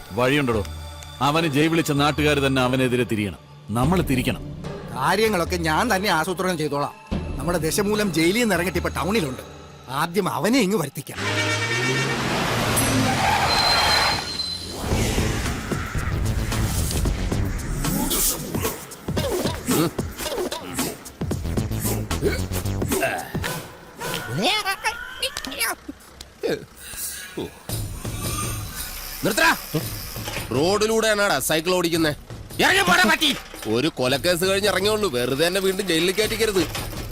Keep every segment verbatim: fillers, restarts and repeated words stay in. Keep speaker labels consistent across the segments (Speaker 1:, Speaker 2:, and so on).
Speaker 1: വഴിയുണ്ടോ? അവന് ജയ് വിളിച്ച നാട്ടുകാർ തന്നെ അവനെതിരെ തിരിയണം. നമ്മൾ തിരിക്കണം.
Speaker 2: കാര്യങ്ങളൊക്കെ ഞാൻ തന്നെ ആസൂത്രണം ചെയ്തോളാം. നമ്മുടെ ദശമൂലം ജയിലിൽ നിന്ന് ഇറങ്ങിട്ട് ഇപ്പൊ ടൗണിലുണ്ട്. ആദ്യം അവനെ ഇങ്ങ് വരുത്തിക്കാം.
Speaker 3: റോഡിലൂടെയാണാടാ സൈക്കിൾ ഓടിക്കുന്നേ. ഒരു കൊലക്കേസ് കഴിഞ്ഞ് ഇറങ്ങിയുള്ളൂ, വെറുതെ തന്നെ വീണ്ടും ജയിലിൽ കയറ്റിക്കരുത്.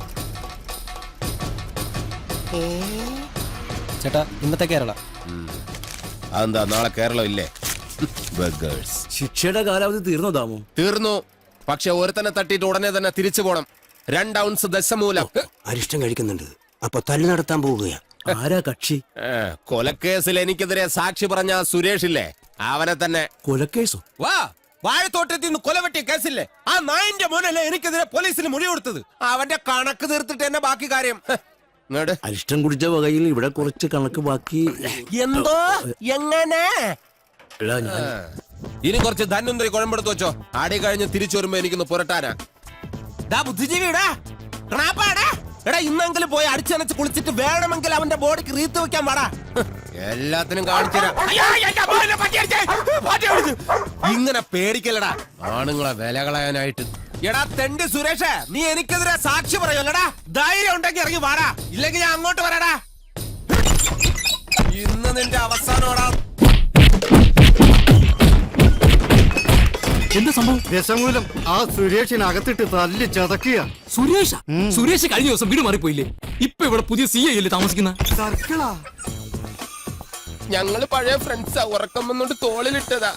Speaker 4: ചേട്ടാ ഇന്നത്തെ കേരള
Speaker 3: അതെന്താ നാളെ കേരളം ഇല്ലേ?
Speaker 5: ശിക്ഷയുടെ കാലാവധി തീർന്നോ താമോ?
Speaker 3: തീർന്നു. പക്ഷെ ഒരുത്തന്നെ തട്ടിയിട്ട് ഉടനെ തന്നെ തിരിച്ചു പോണം. രണ്ട് ഔൺസ് ദശമൂലം.
Speaker 5: അരിഷ്ടം കഴിക്കുന്നുണ്ട്. അപ്പൊ തല്ലു നടത്താൻ പോവുകയാ. ആരാ കക്ഷി?
Speaker 3: കൊലക്കേസിൽ എനിക്കെതിരെ സാക്ഷി പറഞ്ഞ സുരേഷ് ഇല്ലേ, അവനെ തന്നെ.
Speaker 5: കൊലക്കേസോ?
Speaker 3: വാ, വാഴത്തോട്ടത്തിൽ നിന്ന് കൊലവെട്ടിയ കേസില്ലേ, ആ നായിന്റെ മോനല്ലേ എനിക്കെതിരെ പോലീസിന് മൊഴി കൊടുത്തത്. അവന്റെ കണക്ക് തീർത്തിട്ട് തന്നെ ബാക്കി കാര്യം.
Speaker 5: അരിഷ്ടം കുടിച്ച വകയിൽ ഇവിടെ കുറച്ച് കണക്ക് ബാക്കി.
Speaker 3: എന്തോ എങ്ങനെ? ഇനി കുറച്ച് ധന്വന്തരി കുഴമ്പെടുത്ത് വെച്ചോ. ആടി കഴിഞ്ഞ് തിരിച്ചു വരുമ്പോ എനിക്കൊന്ന് പുരട്ടാനാ. ബുദ്ധിജീവിടാ എടാ, ഇന്നെങ്കിലും പോയി അടിച്ചനച്ച് കുളിച്ചിട്ട് വേണമെങ്കിൽ അവന്റെ ബോഡിക്ക് റീത്ത് വെക്കാൻ പാടാ. എല്ലാത്തിനും കാണിച്ചു. ഇങ്ങനെ പേടിക്കല്ലടാ ആണുങ്ങളെ വില കളയാനായിട്ട്. എടാ തെണ്ടി സുരേഷ്, നീ എനിക്കെതിരെ സാക്ഷി പറയുമല്ലടാ. ധൈര്യം ഉണ്ടെങ്കിൽ ഇറങ്ങി വാടാ, ഇല്ലെങ്കിൽ ഞാൻ അങ്ങോട്ട് വരാടാ. ഇന്ന് നിന്റെ അവസാനോടാ.
Speaker 6: എന്താ സംഭവം? ദശമൂലം ആ സുരേഷിനകത്തിട്ട് തല്ലി ചതക്കുക.
Speaker 4: സുരേഷ സുരേഷ് കഴിഞ്ഞ ദിവസം വീട് മാറിപ്പോയില്ലേ? ഇപ്പൊ ഇവിടെ പുതിയ സി ഐ അല്ലേ താമസിക്കുന്ന?
Speaker 6: സർക്കിളാ.
Speaker 3: ഞങ്ങള് പഴയ ഫ്രണ്ട്സാ. ഉറക്കം വന്നോണ്ട് തോളിലിട്ടതാ.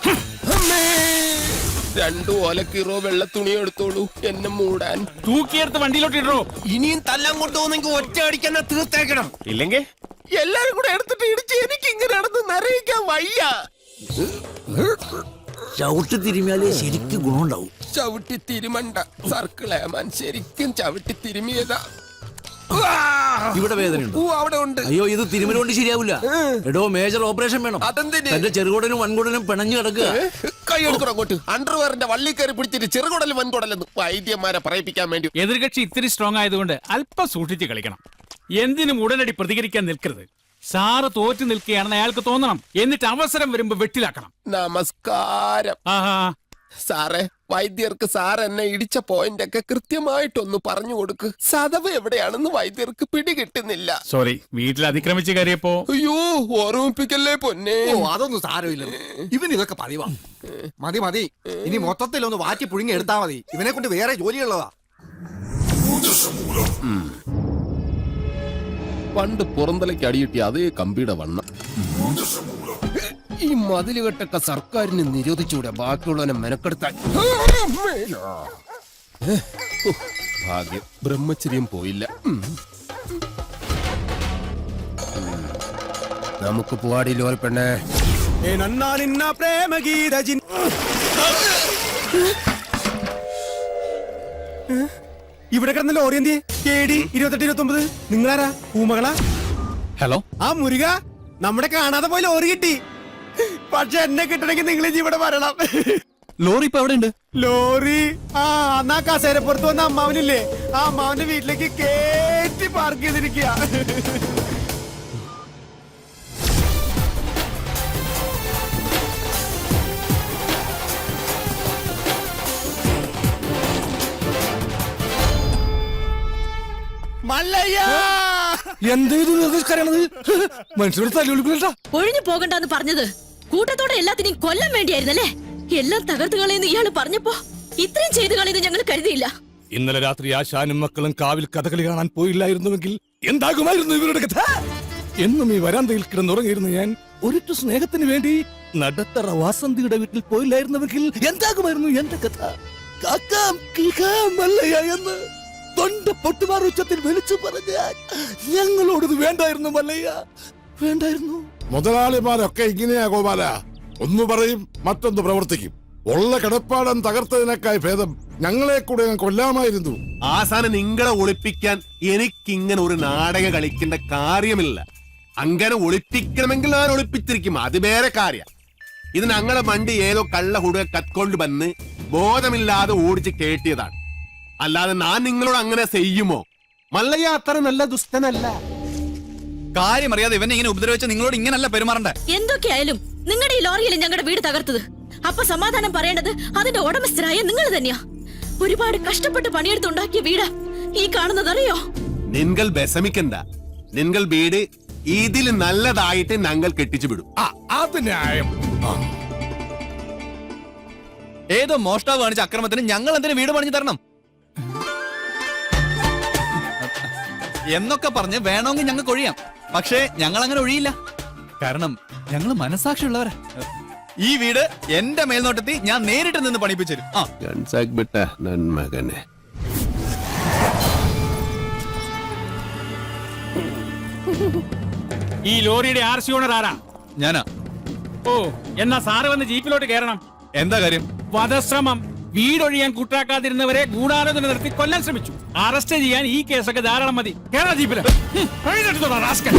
Speaker 3: രണ്ടു ഓലക്കീറോ വെള്ള തുണി എടുത്തോളൂ എന്നെ മൂടാൻ.
Speaker 1: തൂക്കിയെടുത്ത് വണ്ടിയിലോട്ട് ഇടോ.
Speaker 3: ഇനിയും തല്ലാൻ കൊണ്ടുപോകുന്നെങ്കിൽ ഒറ്റ അടിക്കാൻ തീർത്തേക്കണം. ഇല്ലെങ്കിൽ എല്ലാരും കൂടെ എടുത്തിട്ട് ഇടിച്ച് എനിക്ക് ഇങ്ങനെ നടന്ന് നിറയിക്കാൻ വയ്യ.
Speaker 5: ചവിട്ടി തിരുമിയാലേ ശരിക്കും ഗുണമുണ്ടാവും.
Speaker 3: ചവിട്ടി തിരുമണ്ട സർക്കിളേമാൻ, ശരിക്കും ചവിട്ടി തിരുമിയതാ.
Speaker 5: ഇവിടെ വേദനയുണ്ട്.
Speaker 3: അവിടെ ഉണ്ട്.
Speaker 5: അയ്യോ, ഇത് തിരുമല കൊണ്ട് ശരിയാവില്ല. എടോ, മേജർ ഓപ്പറേഷൻ വേണം.
Speaker 3: അതെന്തിന്?
Speaker 5: എന്റെ ചെറുകുടനും വൻകുടനും പിണഞ്ഞു കിടക്കുക.
Speaker 3: കൈ എടുക്കണം അങ്ങോട്ട്. അണ്ടർവെയറിന്റെ വള്ളി കയറി പിടിച്ചിട്ട് ചെറുകുടലും വൻകുടലെന്ന് വൈദ്യന്മാരെ പറയിപ്പിക്കാൻ വേണ്ടി.
Speaker 1: എതിർകക്ഷി ഇത്തിരി സ്ട്രോങ് ആയതുകൊണ്ട് അല്പം സൂക്ഷിച്ച് കളിക്കണം. എന്തിനും ഉടനടി പ്രതികരിക്കാൻ നിൽക്കരുത്. സാറ് തോറ്റു നിൽക്കുകയാണെന്ന് അയാൾക്ക് തോന്നണം. എന്നിട്ട് അവസരം വരുമ്പോ വെട്ടിലാക്കണം.
Speaker 3: നമസ്കാരം.
Speaker 1: ആഹാ,
Speaker 3: സാറേ, വൈദ്യർക്ക് സാർ എന്നെ ഇടിച്ച പോയിന്റ് ഒക്കെ കൃത്യമായിട്ടൊന്ന് പറഞ്ഞു കൊടുക്ക്. സദവ് എവിടെയാണെന്ന് വൈദ്യർക്ക് പിടികിട്ടുന്നില്ല.
Speaker 1: സോറി, വീട്ടിൽ അതിക്രമിച്ച് കയറിയപ്പോ.
Speaker 3: അയ്യോ, ഓർമ്മിപ്പിക്കല്ലേ പൊന്നെ.
Speaker 2: ഓ, അതൊന്നും സാരമില്ല. ഇവൻ ഇതൊക്കെ പതിവാ. മതി മതി, ഇനി മൊത്തത്തിലൊന്ന് വാറ്റി പുഴുങ്ങി എടുത്താ മതി. ഇവനെ കൊണ്ട് വേറെ ജോലിയുള്ളതാ.
Speaker 3: പണ്ട് പുറന്തലയ്ക്ക് അടിയിട്ടി അതേ കമ്പിയുടെ വണ്ണം. ഈ മതിലുകെട്ടൊക്കെ സർക്കാരിന് നിരോധിച്ചുകൂടെ ബാക്കിയുള്ളവനെ മെനക്കെടുത്താൻ. ഭാഗ്യം, ബ്രഹ്മചര്യം പോയില്ല. നമുക്ക് പോവാടി ലോറി പെണ്ണേ.
Speaker 6: ഇവിടെ കിടന്ന ലോറി എന്തിയെ? കേടി ഇരുപത്തെട്ട് ഇരുപത്തി ഒമ്പത്. നിങ്ങളാരാ? പൂമകളാ?
Speaker 1: ഹലോ.
Speaker 6: ആ മുരുക, നമ്മുടെ കാണാതെ പോയി ലോറി കിട്ടി. പക്ഷെ എന്നെ കിട്ടണമെങ്കിൽ നിങ്ങൾ ഇവിടെ വരണം.
Speaker 4: ലോറി ഇപ്പൊ എവിടെ ഉണ്ട്?
Speaker 6: ലോറി ആ അന്നാ കസേരപ്പുറത്ത് വന്ന അമ്മാവനില്ലേ, ആ അമ്മാവന്റെ വീട്ടിലേക്ക് കേറ്റി പാർക്ക് ചെയ്തിരിക്കുക.
Speaker 7: ഒഴിഞ്ഞു പോകണ്ടെന്ന് പറഞ്ഞത് കൂട്ടത്തോടെ എല്ലാത്തിനെയും കൊല്ലാൻ വേണ്ടിയായിരുന്നല്ലേ? എല്ലാം തകർത്ത് കളയെന്ന് ഇയാള് പറഞ്ഞപ്പോ ഇത്രയും ചെയ്തു കളയെന്ന് ഞങ്ങൾ കരുതിയില്ല.
Speaker 8: ഇന്നലെ രാത്രി ആശാനും മക്കളും കാവിൽ കഥകളി കാണാൻ പോയില്ലായിരുന്നുവെങ്കിൽ എന്താകുമായിരുന്നു ഇവരുടെ കഥ? എന്നും ഈ വരാന്തയിൽ കിടന്നുറങ്ങിയിരുന്നു ഞാൻ. ഒരിറ്റു സ്നേഹത്തിന് വേണ്ടി നടത്തറ വാസന്തിയുടെ വീട്ടിൽ പോയില്ലായിരുന്നുവെങ്കിൽ എന്താകുമായിരുന്നു എന്റെ കഥ? കാക്കാം കിളിക്കാം മല്ലയ്യ എന്ന് തൊണ്ട പൊട്ടുമാർ ഉച്ചത്തിൽ വിളിച്ചു പറഞ്ഞാൽ ഞങ്ങളോടത് വേണ്ടായിരുന്നു മല്ലയ്യ, വേണ്ടായിരുന്നു.
Speaker 9: മുതലാളിമാരൊക്കെ ഇങ്ങനെയാ ഗോപാല. ഒന്ന് പറയും മറ്റൊന്ന് പ്രവർത്തിക്കും. ഉള്ള കിടപ്പാടം തകർത്തതിനേക്കായി ഭേദം ഞങ്ങളെ കൂടെ കൊല്ലാമായിരുന്നു.
Speaker 10: ആസാനം നിങ്ങളെ ഒളിപ്പിക്കാൻ എനിക്കിങ്ങനെ ഒരു നാടകം കളിക്കേണ്ട കാര്യമില്ല. അങ്ങനെ ഒളിപ്പിക്കണമെങ്കിൽ ഞാൻ ഒളിപ്പിച്ചിരിക്കും, അത് വേറെ കാര്യം. ഇത് ഞങ്ങളെ വണ്ടി ഏതോ കള്ള ഹുടുക കത്കൊണ്ട് വന്ന് ബോധമില്ലാതെ ഓടിച്ച് കേട്ടിയതാണ്. അല്ലാതെ ഞാൻ നിങ്ങളോട് അങ്ങനെ ചെയ്യുമോ? മല്ലയ്യ അത്ര നല്ല ദുഷ്ടനല്ല.
Speaker 4: കാര്യം അറിയാതെ ഇവനെ ഇങ്ങനെ ഉപദ്രവിച്ച നിങ്ങളോട് ഇങ്ങനല്ല പെരുമാറണ്ടേ.
Speaker 7: എന്തൊക്കെയായാലും നിങ്ങളുടെ ഈ ലോറിയിൽ ഞങ്ങളുടെ വീട് തകർത്തത്. അപ്പൊ സമാധാനം പറയേണ്ടത് അതിന്റെ ഉടമസ്ഥരായ നിങ്ങൾ തന്നെയാ. ഒരുപാട് കഷ്ടപ്പെട്ട് പണിയെടുത്തുണ്ടാക്കിയ വീടാ ഈ കാണുന്നതറിയോ?
Speaker 10: നിങ്ങൾ വിഷമിക്കണ്ട. നിങ്ങൾ വീട് ഇതിൽ നല്ലതായിട്ട് ഞങ്ങൾ കെട്ടിച്ചു വിടും.
Speaker 8: ആ അത് ന്യായം. ആ.
Speaker 4: ഏതോ മോഷ്ടാവ് കാണിച്ച അക്രമത്തിന് ഞങ്ങൾ എന്തിനു വീട് പണിഞ്ഞു തരണം എന്നൊക്കെ പറഞ്ഞ് വേണമെങ്കിൽ ഞങ്ങൾക്ക് ഒഴിയാം. പക്ഷേ ഞങ്ങൾ അങ്ങനെ ഒഴിയില്ല. കാരണം ഞങ്ങൾ മനസാക്ഷിയുള്ളവരാ. ഈ വീട് എന്റെ മേൽനോട്ടത്തിൽ ഞാൻ നേരിട്ട് നിന്ന് പണിപ്പിച്ചു തരും. ആ
Speaker 10: നന്മകനെ
Speaker 1: ഈ ലോറിയുടെ ആർ സി ഓണർ ആരാ?
Speaker 4: ഞാനാ.
Speaker 1: ഓ, എന്നാ സാറ് വന്ന് ജീപ്പിലോട്ട് കയറണം.
Speaker 4: എന്താ കാര്യം?
Speaker 1: വധശ്രമം. വീടൊഴിയാൻ കൂട്ടാക്കാതിരുന്നവരെ ഗൂഢാലോചന നടത്തി കൊല്ലാൻ ശ്രമിച്ചു. അറസ്റ്റ് ചെയ്യാൻ ഈ കേസൊക്കെ ധാരാളം മതി. കേരള ജീപ്പില് ഹും, എഴുന്നേറ്റ് റാസ്കൽ.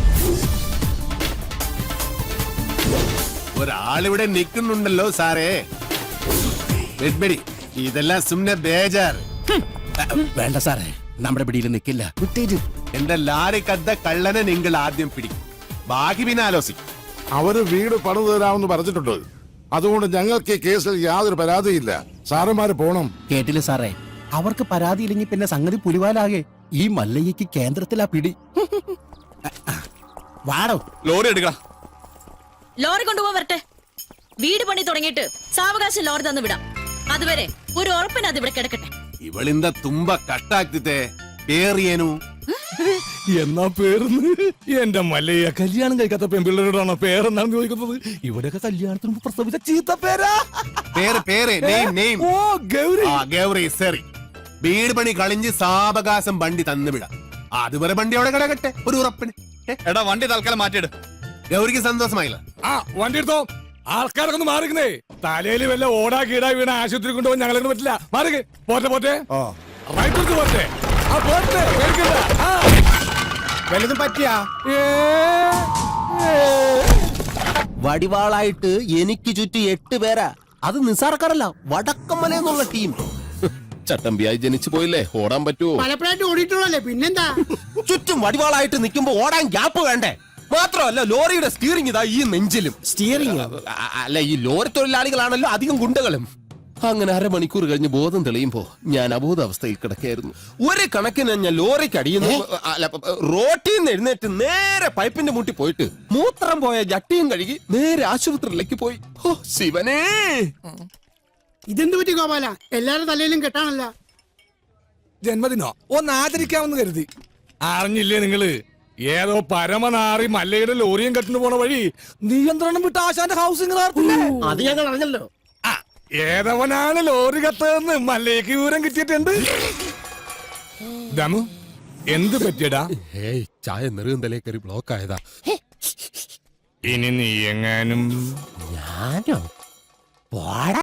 Speaker 10: ഒരാളിവിടെ നിൽക്കുന്നുണ്ടല്ലോ സാറേ. വെഡ്ബെടി, ഇതെല്ലാം സുമ്നെ ബേജാർ.
Speaker 6: വേണ്ട സാറേ, നമ്മുടെ പിടിയിൽ നിൽക്കില്ല.
Speaker 10: എന്റെ ലാരി കദ്ദ കള്ളനെ നിങ്ങൾ ആദ്യം പിടിക്കും, ബാക്കി പിന്നെ ആലോചിക്കും.
Speaker 9: അവര് വീട് പണിതു തരാമെന്ന് പറഞ്ഞിട്ടുണ്ട്. അതുകൊണ്ട് ഞങ്ങൾക്ക് ഈ കേസിൽ യാതൊരു പരാതിയില്ല. സാറന്മാര് പോണം.
Speaker 6: കേട്ടില്ല സാറേ, അവർക്ക് പരാതിയില്ലെങ്കിൽ പിന്നെ സംഗതി പുലിവാലാകെ. ഈ മല്ലയ്യക്ക് കേന്ദ്രത്തിലാ പിടി. വാടോ.
Speaker 4: ലോറി എടുക്ക.
Speaker 7: ലോറി കൊണ്ടുപോകാൻ വരട്ടെ. വീട് പണി തുടങ്ങിയിട്ട് സാവകാശം ലോറി തന്നു വിടാം. അതുവരെ ഒരു ഉറപ്പിന് അത് ഇവിടെ കിടക്കട്ടെ.
Speaker 10: ഇവളിന്ത തുമ്പ കട്ടാക്കിത്തെ പേറിയേനു.
Speaker 8: എന്നാ പേരെന്ന് എന്റെ മല്ലയ്യ കല്യാണം കഴിക്കാത്ത പെൺപിള്ളേരോടാണോ പേരെന്നാണ് ചോദിക്കുന്നത്. ഇവിടെയൊക്കെ കല്യാണത്തിന് മുമ്പ് പ്രസവിച്ച ചീത്ത പേരാ.
Speaker 10: പേര് പേര് നെയിം നെയിം.
Speaker 8: ഓ ഗൗരി.
Speaker 10: ആ ഗൗരി സറി. വീട് പണി കളിഞ്ഞ് സാവകാശം വണ്ടി തന്നുവിടാം. അതുവരെ വണ്ടി അവിടെ കിടക്കട്ടെ ഒരു ഉറപ്പിന്.
Speaker 4: എടാ വണ്ടി തൽക്കാലം മാറ്റിയിട്.
Speaker 10: ഗൗരിക്ക് സന്തോഷമായില്ല.
Speaker 8: ആ വണ്ടി എടുത്തോ. ആൾക്കാരൊക്കെ ഒന്ന് മാറിക്കുന്നേ. തലയിൽ വല്ല ഓടാ കീടാ വീണ ആശുപത്രി കൊണ്ടുപോകാൻ ഞങ്ങളെ പറ്റില്ല. മാറിക്ക്. പോട്ടെ പോട്ടെ. റൈറ്റ് എടുത്ത് പോട്ടെ. ആ പോട്ടെ. പേടിക്കണ്ട. ആ
Speaker 6: വലുതും പറ്റിയാ
Speaker 8: ഏ, ഏ.
Speaker 3: വടിവാളായിട്ട് എനിക്ക് ചുറ്റി എട്ട് പേരാ. അത് നിസാർക്കാരല്ല, വടക്കമ്മല എന്നുള്ള ടീം. ചട്ടമ്പിയായി ജനിച്ചു പോയില്ലേ, ഓടാൻ പറ്റുമോ?
Speaker 6: പലപ്പോഴായിട്ട് ഓടിയിട്ടുള്ളല്ലേ, പിന്നെന്താ?
Speaker 3: ചുറ്റും വടിവാളായിട്ട് നിൽക്കുമ്പോ ഓടാൻ ഗ്യാപ്പ് വേണ്ടേ? മാത്രമല്ല ലോറിയുടെ സ്റ്റിയറിംഗ് ഇതാ ഈ നെഞ്ചിലും.
Speaker 6: സ്റ്റിയറിംഗ്
Speaker 3: അല്ല, ഈ ലോറി തൊഴിലാളികളാണല്ലോ അധികം ഗുണ്ടകളും. അങ്ങനെ അരമണിക്കൂർ കഴിഞ്ഞ് ബോധം തെളിയുമ്പോ ഞാൻ അബോധാവസ്ഥയിൽ കിടക്കായിരുന്നു. ഒരു കണക്കിന് ഞാൻ ലോറിക്ക് അടിയുന്നു. അല്ല, റോട്ടിൽ നിന്ന് എഴുന്നേറ്റ് നേരെ പൈപ്പിന്റെ മുട്ടി പോയിട്ട് മൂത്രം പോയ ജട്ടിയും കഴുകി നേരെ ആശുപത്രിയിലേക്ക് പോയി. ഓ ശിവനേ,
Speaker 6: ഇതെന്ത് പറ്റി ഗോപാല? എല്ലാരും തലയിലും കെട്ടാണല്ല.
Speaker 8: ജന്മദിനോ ഒന്ന് ആചരിക്കാമെന്ന് കരുതി. അറിഞ്ഞില്ലേ നിങ്ങള്? ഏതോ പരമനാറി മല്ലയുടെ ലോറിയും കെട്ടിന് പോണ വഴി നിയന്ത്രണം വിട്ട് ആശാന്റെ ഹൗസിംഗ്
Speaker 6: അത് ഞങ്ങൾ അറിഞ്ഞല്ലോ.
Speaker 8: ഏതവനാണ് ലോറി കത്തതെന്ന് മല്ലയ്ക്ക് വിവരം കിട്ടിയിട്ടുണ്ട്. ദമു എന്ത് പറ്റിയടാ?
Speaker 3: ഏയ് ചായ നെറുകന്തലേ കയറി ബ്ലോക്ക് ആയതാ.
Speaker 8: ഇനി നീ എങ്ങാനും
Speaker 3: ഞാനോ? പോടാ.